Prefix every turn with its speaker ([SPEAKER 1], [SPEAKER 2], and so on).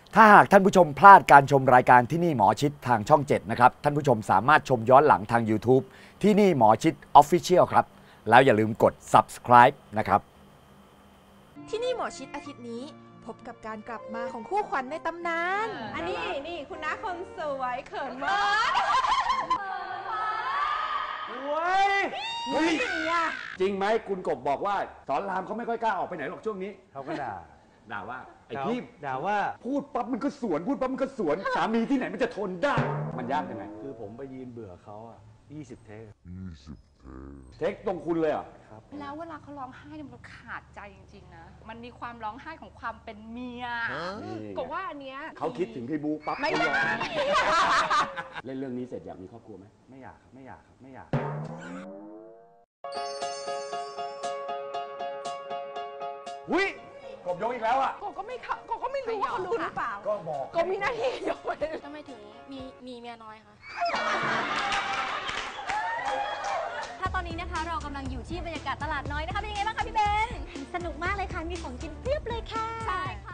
[SPEAKER 1] ถ้าหากท่านผู้ชมพลาดการชมรายการที่นี่หมอชิดทางช่อง 7 นะครับท่านผู้ชมสามารถชมย้อนหลังทาง YouTube ที่นี่หมอชิด Official ครับแล้วอย่าลืมกด Subscribe นะครับ
[SPEAKER 2] ที่นี่หมอชิดอาทิตย์นี้พบกับการกลับมาของคู่ขวัญในตำนาน
[SPEAKER 3] อันนี้นี่คุณน้าคนสวยเขินมาก
[SPEAKER 1] เฮ้ยจริงไหมคุณกบบอกว่าสอนรามเขาไม่ค่อยกล้าออกไปไหนหรอกช่วงนี้
[SPEAKER 4] เขาก็ด่า
[SPEAKER 1] ว่าไอ้พี่
[SPEAKER 4] ด่าว่า
[SPEAKER 1] พูดปั๊บมันก็สวนพูดปั๊บมันก็สวนสามีที่ไหนมันจะทนได้มันยากยังไง
[SPEAKER 4] คือผมไปยืนเบื่อเขา20 เทค
[SPEAKER 1] เทคตรงคุณเลยอ่ะ
[SPEAKER 4] ครับ
[SPEAKER 3] แล้วเวลาเขาร้องไห้มันขาดใจจริงๆนะมันมีความร้องไห้ของความเป็นเมียก็ว่าอันเนี้ย
[SPEAKER 1] เขาคิดถึงพี่บุ๊กปั๊บ
[SPEAKER 3] ไม่อยาก
[SPEAKER 1] เล่นเรื่องนี้เสร็จอยากมีครอบครัวไหม
[SPEAKER 4] ไม่อยากครับไม่อยาก
[SPEAKER 1] หุ้ยกบยกอีกแล้วอ่ะ
[SPEAKER 3] ก็ไม่รู้ว่าเขารู้หรือเปล่า
[SPEAKER 1] ก็บอก
[SPEAKER 3] ก็มีหน้าที่ยกไป
[SPEAKER 5] ทำไมถึงมีเมียน้อยคะถ้าตอนนี้นะคะเรากำลังอยู่ที่บรรยากาศตลาดน้อยนะคะเป็นยังไงบ้างคะพี่เบนสนุกมากเลยค่ะมีของกินเพียบเลยค่ะใช่ค่ะ